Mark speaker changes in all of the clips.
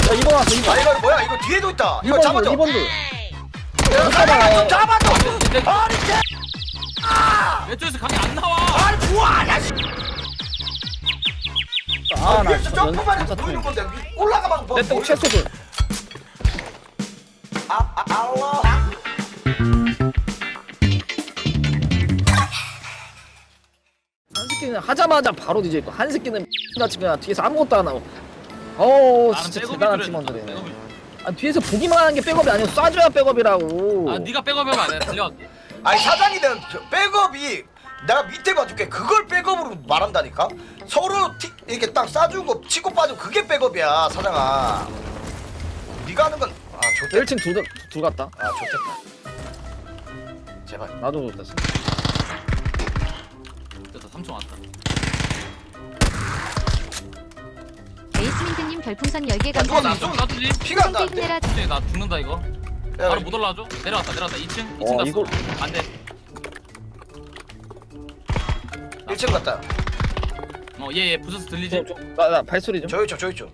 Speaker 1: 2번 왔어 2번.
Speaker 2: 아 이거 뭐야 이거 뒤에도 있다. 이거
Speaker 1: 2번도
Speaker 2: 잡아줘.
Speaker 1: 2번도.
Speaker 2: 좀 잡아줘. 아니 개.
Speaker 3: 왼쪽에서 각이 안 나와.
Speaker 2: 아니 뭐하냐 씨.
Speaker 1: 아나
Speaker 2: 위에서 점프만 해서 보이는 건데 올라가면 뭐
Speaker 1: 내똥 최소 둘.
Speaker 2: 알라.
Speaker 1: 한 새끼는 하자마자 바로 뒤져있고 한 새끼는 같이 그냥 뒤에서 아무것도 안 하고. 어우
Speaker 3: 나는
Speaker 1: 진짜
Speaker 3: 백업이
Speaker 1: 대단한
Speaker 3: 필요해.
Speaker 1: 팀원들이네.
Speaker 3: 백업이.
Speaker 1: 아 뒤에서 보기만 하는 게 백업이 아니고 쏴줘야 백업이라고.
Speaker 3: 아 네가 백업하면 안 돼. 달려갈게.
Speaker 2: 아니 사장이든 백업이 내가 밑에 봐줄게. 그걸 백업으로 말한다니까. 서로 이렇게 딱 쏴주고 치고 빠지고 그게 백업이야 사장아. 네가 하는 건 좋대.
Speaker 1: 1층 둘 갔다.
Speaker 2: 좋겠다. 제발.
Speaker 1: 나도 좋댔어.
Speaker 3: 됐다 3층 왔다.
Speaker 4: 에이스민트님 별풍선 10개
Speaker 2: 야, 누가
Speaker 4: 감사합니다.
Speaker 2: 나
Speaker 3: 놔두지.
Speaker 2: 피가 안
Speaker 4: 똥
Speaker 2: 나는데.
Speaker 4: 힘내라.
Speaker 3: 갑자기 나 죽는다 이거.
Speaker 2: 야,
Speaker 3: 바로 못 올라와줘. 내려왔다 2층
Speaker 1: 어,
Speaker 3: 갔어.
Speaker 1: 이걸-
Speaker 3: 안 돼.
Speaker 2: 1층 갔다.
Speaker 3: 얘 부서서 들리지?
Speaker 1: 나 발소리 좀.
Speaker 2: 저 있죠.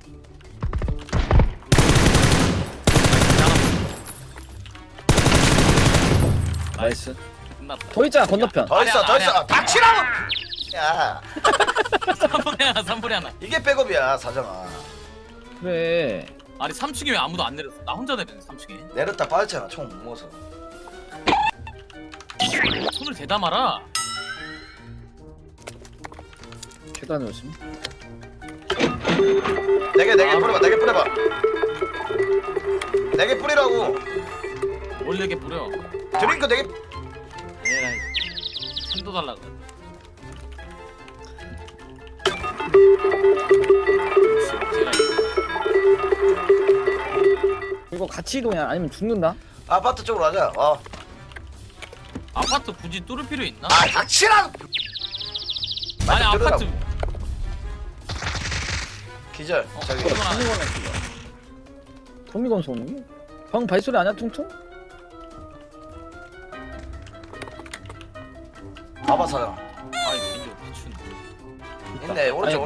Speaker 1: 나이스.
Speaker 3: 끝났다.
Speaker 1: 더 있잖아 건너편.
Speaker 2: 더 있어.
Speaker 3: 아니야.
Speaker 2: 닥치라고. 야
Speaker 3: 3분에 하나.
Speaker 2: 이게 백업이야 사장아.
Speaker 1: 그래.
Speaker 3: 아니 3층에 왜 아무도 안 내렸어? 나 혼자 내렸네 3층에.
Speaker 2: 내렸다 빠졌잖아. 총 못 먹어서.
Speaker 3: 손을 대다 말아.
Speaker 1: 계단 조심.
Speaker 2: 4개 뿌려봐. 4개 뿌려봐. 4개 뿌리라고.
Speaker 3: 원래게 뿌려.
Speaker 2: 드링크 4개.
Speaker 3: 에라이. 도 달라 그래.
Speaker 1: 이거 같이 이동해 아니면 죽는다.
Speaker 2: 아파트 쪽으로 가자.
Speaker 3: 아파트 굳이 뚫을 필요 있나?
Speaker 2: 닥치라고.
Speaker 3: 아니
Speaker 2: 맞아,
Speaker 3: 아파트
Speaker 2: 기절. 저기.
Speaker 3: 그건 안 해.
Speaker 1: 도미건 소음이? 방 발소리 아니야 퉁퉁?
Speaker 2: 봐봐 사장.
Speaker 3: 아이 민규 미친.
Speaker 2: 있네.
Speaker 1: 아니,
Speaker 2: 오른쪽.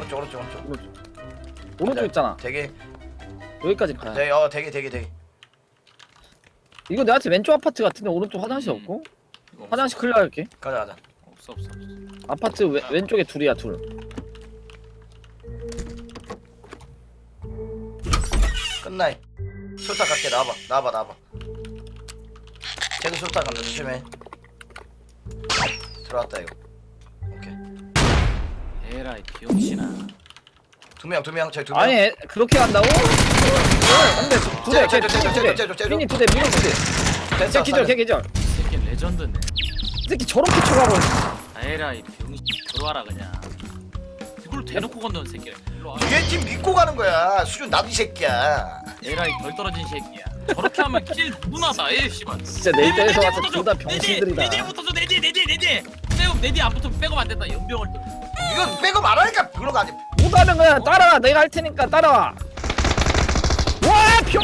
Speaker 1: 오른쪽 있잖아.
Speaker 2: 되게.
Speaker 1: 여기까지 가야.
Speaker 2: 되게.
Speaker 1: 이거 내한테 왼쪽 아파트 같은데 오른쪽 화장실 없고?
Speaker 3: 이거 없어.
Speaker 1: 화장실 클리어 할게.
Speaker 2: 가자.
Speaker 3: 없어.
Speaker 1: 아파트 왼쪽에 둘이야 둘.
Speaker 2: 끝나이. 술탁 갈게. 나와봐. 쟤도 술탁 간다. 조심해. 들어왔다 이거. 오케이.
Speaker 3: 에라이 비용신아.
Speaker 2: 두 명. 저기 2명.
Speaker 1: 아니 그렇게 간다고? 안돼 두대
Speaker 2: 쟤.
Speaker 1: 미니 두대 미니 두대. 걔 기절 걔 기절.
Speaker 3: 이 새끼 레전드네.
Speaker 1: 이 새끼 저렇게 쳐가고.
Speaker 3: 에라이 비용신 들어와라 그냥. 이걸 대놓고 건너는 새끼야. 일로 와.
Speaker 2: 뒤에 팀 믿고 가는 거야. 수준 나도 이 새끼야.
Speaker 3: 에라이 덜 떨어진 새끼야. 저렇게 하면 킬 누나다. 에 씨발.
Speaker 1: 진짜 내 입장에서 와서 둘 다 병신들이다.
Speaker 3: 내뒤부터 줘. 내뒤. 백업 내뒤 안 붙으면 백업 안 된다. 연병을 또.
Speaker 2: 이건 빼고 말하니까 그런 거 아니.
Speaker 1: 못하면 그냥 따라와. 내가 할 테니까 따라와. 와 병.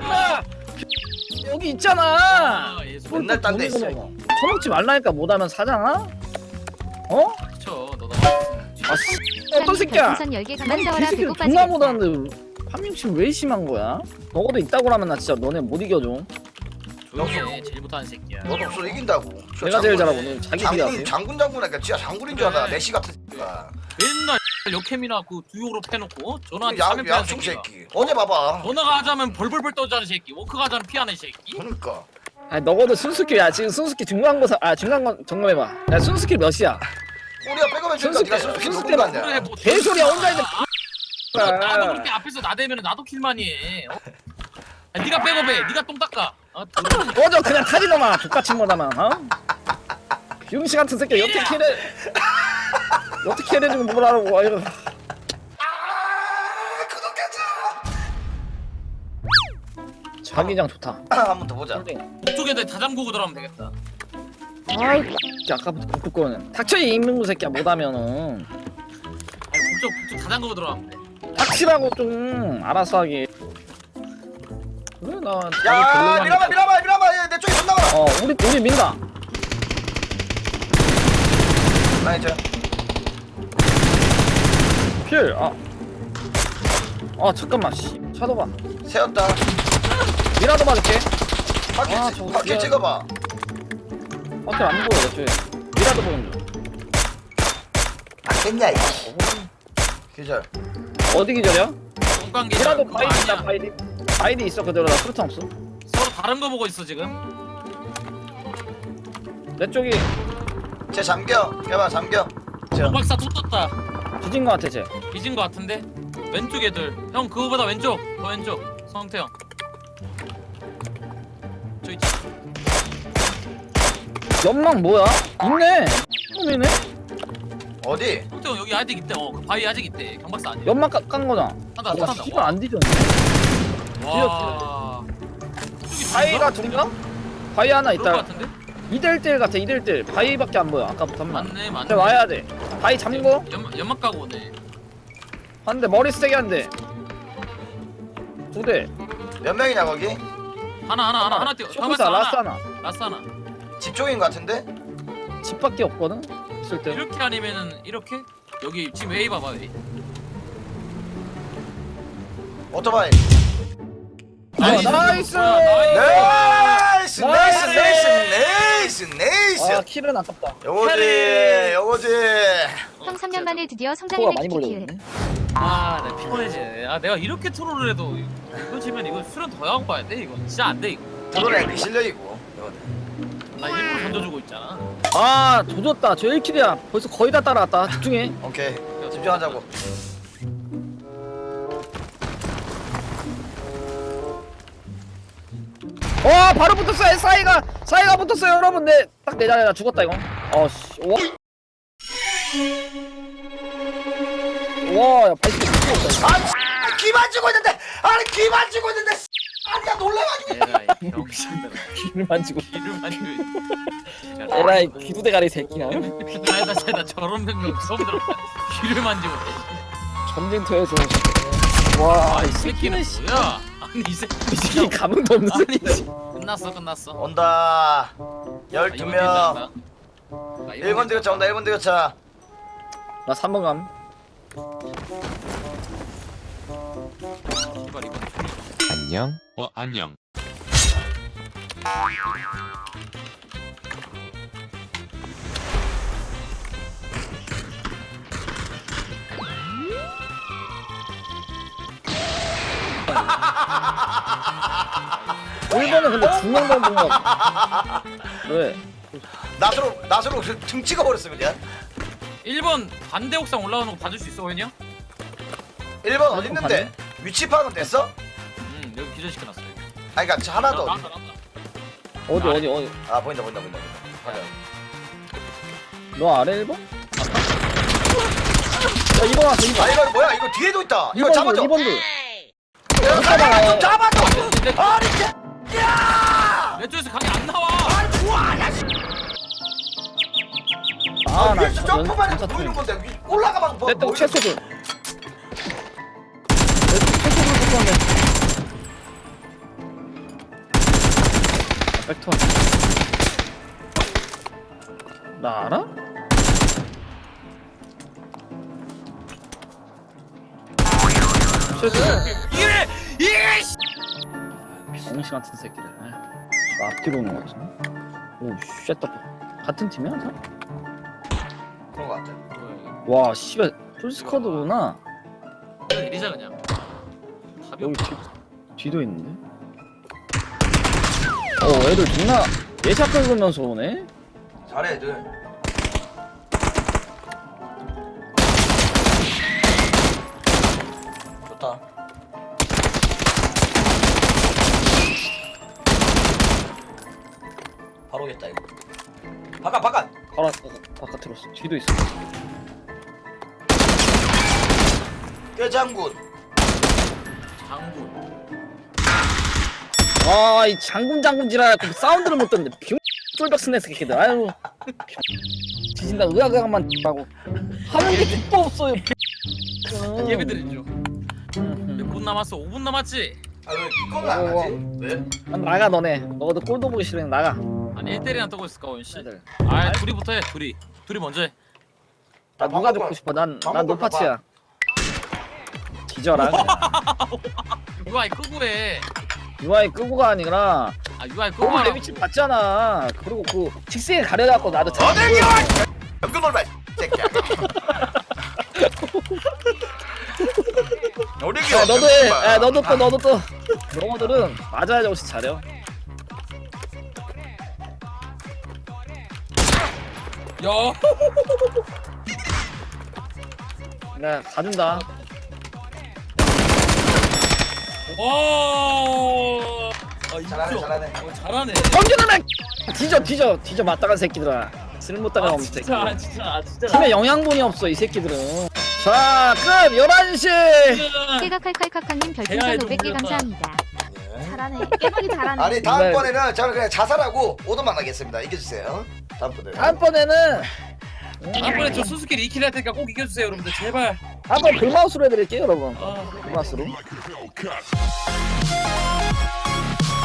Speaker 1: 여기 있잖아.
Speaker 3: 얘
Speaker 2: 맨날 딴데 있어.
Speaker 1: 처먹지 말라니까 못하면 사장아? 어?
Speaker 3: 쳐. 너도.
Speaker 1: 아 씨. 어떤 새끼야?
Speaker 4: 별풍선 10개
Speaker 1: 아니
Speaker 4: 감사하라.
Speaker 1: 개새끼를
Speaker 4: 배꼽
Speaker 1: 존나
Speaker 4: 빠지겠다.
Speaker 1: 못하는데 판명심 왜 심한 거야? 너도 있다고 하면 나 진짜 너네 못 이겨줘.
Speaker 3: 조용히 해. 제일 못하는 새끼야.
Speaker 2: 너도 없어 이긴다고.
Speaker 1: 내가 제일 잘하고 오늘 자기 비하세요.
Speaker 2: 장군이니까 진짜 장군인 줄 알아.
Speaker 3: 그래.
Speaker 2: 메시 같은 새끼가.
Speaker 3: 맨날 역캠이나 그 두욕으로 패놓고 전화한테 사면 피하는
Speaker 2: 양충
Speaker 3: 새끼가.
Speaker 2: 새끼. 어제 봐봐.
Speaker 3: 전화가 하자면 벌벌벌 떠자는 새끼. 워크가 하자면 피하는 새끼.
Speaker 2: 그러니까.
Speaker 1: 아니 너거도 순수키 야 지금 순수키 중간고사 중간고 점검해봐. 야 순수키 몇이야?
Speaker 2: 우리가 백업해 주니까
Speaker 1: 순수
Speaker 2: 네가
Speaker 1: 때-
Speaker 2: 솔직히
Speaker 1: 순수
Speaker 2: 누군 거
Speaker 1: 때는
Speaker 2: 아니야.
Speaker 3: 그래 뭐
Speaker 1: 개소리야 혼자 있는
Speaker 3: 나도 그렇게 앞에서 나대면 나도 킬만이 해. 아, 네가 백업해. 네가 똥 닦아.
Speaker 1: 꺼져 그냥 타지너마 똑같이 뭐다만 어? 비용씨 같은 새끼 여태 캐를 해주면 뭐라고 아이고. 자기장 좋다.
Speaker 2: 한 번 더 보자.
Speaker 3: 이쪽에다 다 잠그고 들어가면 되겠다.
Speaker 1: 아이 아까부터 북극거는 닥쳐 이 인민구 새끼야 못하면은
Speaker 3: 아니 북쪽 다 잠그고 들어가면 돼.
Speaker 1: 닥치라고 좀 알아서 하게. 그래 나
Speaker 2: 야 미라마 얘 내 쪽에 존나 많아.
Speaker 1: 우리 민다.
Speaker 2: 나 이제
Speaker 1: 필. 아 잠깐만 씨. 샤도봐.
Speaker 2: 세웠다.
Speaker 1: 미라도 맞을게.
Speaker 2: 바퀴
Speaker 1: 아, 저거
Speaker 2: 바퀴
Speaker 1: 미안.
Speaker 2: 찍어봐.
Speaker 1: 밖에 안 보여 저기. 미라도 보는 중.
Speaker 2: 안겠냐 이. 기절.
Speaker 1: 어디 기절이야?
Speaker 3: 똥강 기절.
Speaker 1: 미라도
Speaker 3: 그거
Speaker 1: 바이디 있다
Speaker 3: 아니야.
Speaker 1: 바이디. 바이디 있어 그대로 나 수류탄 없어.
Speaker 3: 서로 다른 거 보고 있어 지금.
Speaker 1: 내 쪽이
Speaker 2: 쟤 잠겨. 개봐 잠겨. 저.
Speaker 3: 박사 또 떴다.
Speaker 1: 뒤진 거 같아 쟤.
Speaker 3: 뒤진 거 같은데? 왼쪽 애들. 형 그거보다 왼쪽. 더 왼쪽. 성태형. 저 있지.
Speaker 1: 연막 뭐야? 있네. 놈이네.
Speaker 2: 어디?
Speaker 3: 성태형 여기 아직 있대. 그 바위 아직 있대. 경박사 아니야.
Speaker 1: 연막 깐 거잖아.
Speaker 3: 한다
Speaker 1: 야
Speaker 3: 한다.
Speaker 1: 씨발 안 뒤졌네.
Speaker 3: 와.
Speaker 1: 바위가 둘인가? 바위 하나
Speaker 3: 그럴 거
Speaker 1: 있다.
Speaker 3: 같은데?
Speaker 1: 2대1 같아 2대1 바위밖에 안 보여 아까부터 한 번.
Speaker 3: 맞네 맞네.
Speaker 1: 근데 와야 돼. 바위 잠궈.
Speaker 3: 연막 까고 오네.
Speaker 1: 한대 머리 세게 한대. 2대.
Speaker 2: 몇 명이냐 거기?
Speaker 3: 하나 뛰어.
Speaker 1: 쇼크사 라스 하나.
Speaker 3: 라스 하나.
Speaker 2: 집 쪽인 것 같은데?
Speaker 1: 집밖에 없거든. 있을 때.
Speaker 3: 이렇게 아니면은 이렇게? 여기 지금 웨이 봐봐 웨이.
Speaker 2: 오토바이.
Speaker 1: 나이스.
Speaker 2: 나이스 나이스 나이스 나이스.
Speaker 1: 아 킬은 아깝다.
Speaker 2: 요거지 요거지.
Speaker 4: 형 3년 만에 드디어
Speaker 1: 코가
Speaker 4: 성장을
Speaker 1: 많이
Speaker 4: 느끼기.
Speaker 1: 벌렸네.
Speaker 3: 아, 나 피곤해지네. 아, 내가 이렇게 트롤을 해도 이거 지면 이거 수련 더 하고 봐야 돼 이거. 진짜 안 돼 이거.
Speaker 2: 드론에 실력이고. 요거는.
Speaker 3: 나 일부러 던져주고 있잖아.
Speaker 1: 아 조졌다. 저 1킬이야. 벌써 거의 다 따라왔다. 집중해.
Speaker 2: 오케이 집중하자고.
Speaker 1: 바로 붙었어. 사이가 붙었어요 여러분. 딱 내 자리에 나 죽었다 이거. 어씨. 와, 80개 미쳤다.
Speaker 2: 아 귀만 쥐고 있는데 아니 귀만 쥐고 있는데 아니야 놀래가지고.
Speaker 3: 에라이 병신들.
Speaker 1: 귀를 만지고.
Speaker 3: 귀를 만지고.
Speaker 1: 에라이 귀두대가리 새끼야.
Speaker 3: 나 저런 병력 처음 들었다. 귀를 만지고.
Speaker 1: 전쟁터에서. 와,
Speaker 3: 아,
Speaker 1: 이
Speaker 3: 이 새끼는 뭐야? 아니 이
Speaker 1: 새끼 감흥도 없는
Speaker 3: 아니
Speaker 1: 새끼.
Speaker 3: 끝났어.
Speaker 2: 온다.
Speaker 3: 아,
Speaker 2: 12명. 1번 대교차 온다 1번 대교차.
Speaker 1: 나 3번 감.
Speaker 5: 안녕. 안녕.
Speaker 1: 일본은 근데 2명 본거 같아. 왜?
Speaker 2: 낫으로 등 찍어버렸어 그냥.
Speaker 3: 1번 반대 옥상 올라오는 거 봐줄 수 있어 호연이 형?
Speaker 2: 1번 어디 있는데? 위치 파악은 됐어?
Speaker 3: 응 여기 기절시켜놨어 여기.
Speaker 2: 아니 그니까 하나 더.
Speaker 3: 나온다.
Speaker 1: 어디?
Speaker 2: 아 보인다. 가자.
Speaker 1: 너 아래 1번? 야, 2번 왔어, 2번.
Speaker 2: 아 이거 뭐야 이거 뒤에도 있다. 이거
Speaker 1: 2번도,
Speaker 2: 잡아줘.
Speaker 1: 2번도.
Speaker 2: 야,
Speaker 1: 잡아라.
Speaker 2: 좀 잡아줘. 아니 야!
Speaker 3: 내 쪽에서 강이 안 나와.
Speaker 2: 아니 좋아 야 씨.
Speaker 1: 아, 나
Speaker 2: 위에서 점프만 해도 보이는 건데 올라가봐도 뭐.
Speaker 1: 내떡 채소들. 채소들 붙었네. 백톤. 나 알아? 채소.
Speaker 3: 이게 씨.
Speaker 1: 병신 같은 새끼들. 나 앞뒤로 오는 거 같은데. 오, 쉣다. 같은 팀이야? 다?
Speaker 2: 그런 거 같아.
Speaker 1: 와, 씨발. 풀스쿼드구나.
Speaker 3: 내리자 그냥. 답이
Speaker 1: 여기
Speaker 3: 없어.
Speaker 1: 뒤도 있는데? 애들 존나 예샷 긁으면서 오네?
Speaker 2: 잘해 애들. 좋다. 바로 오겠다 이거. 바깥.
Speaker 1: 바깥으로 었어 뒤도 있어.
Speaker 2: 꾀장군.
Speaker 3: 장군.
Speaker 1: 아, 이 장군 지랄 사운드를 못 듣는데 병 쫄벽 스네 새끼들. 아유. 뒤진다 의학만 하고 하는 게 뒷도 없어요.
Speaker 3: 예배드리죠. 몇 분 남았어? 5분 남았지?
Speaker 2: 아왜 이거는 안 하지? 왜?
Speaker 1: 나가 너네. 너도 꼴도 보기 싫으면 나가.
Speaker 3: 아니 1대1이나 떠고 있을까 원씨?
Speaker 1: 애들.
Speaker 3: 아 둘이부터 해 둘이 먼저 해.
Speaker 1: 나 누가 죽고 싶어? 난 노파치야. 뒤져라. 그냥.
Speaker 3: UI 끄고 해.
Speaker 1: UI 끄고가 아니라
Speaker 3: 아 UI 끄고
Speaker 1: 너무 내
Speaker 3: 하라고.
Speaker 1: 위치 봤잖아. 그리고 그 직생에 가려갖고 나도
Speaker 2: 어딜 기와 연금 놀라 새끼야 어딜 기와
Speaker 1: 야 너도 해. 야 너도 또. 영어들은 맞아야 정신 차려.
Speaker 3: 야.
Speaker 1: 야 가준다.
Speaker 3: 와. 아,
Speaker 2: 잘하네,
Speaker 3: 인정.
Speaker 2: 잘하네.
Speaker 3: 잘하네.
Speaker 1: 던져놓으면 뒤져 맞다간 새끼들아. 쓸모따가 없는 새끼.
Speaker 3: 진짜.
Speaker 1: 팀에 영양분이 없어 이 새끼들은. 자, 끝 11시.
Speaker 4: 깨가칼칼칼칼님 별풍선
Speaker 3: 대화에
Speaker 4: 500개
Speaker 3: 좀
Speaker 4: 감사합니다.
Speaker 6: 잘하네. 깨박이 잘하네.
Speaker 2: 아니 다음번에는 저는 그냥 자살하고 오도만 하겠습니다. 이겨주세요. 다음번에
Speaker 1: 다음번에는
Speaker 3: 다음번에 저 수수께끼 2킬 할 테니까 꼭 이겨주세요 여러분들 제발.
Speaker 1: 한번 불마우스로 해드릴게요 여러분.
Speaker 3: 아.
Speaker 1: 불마우스로.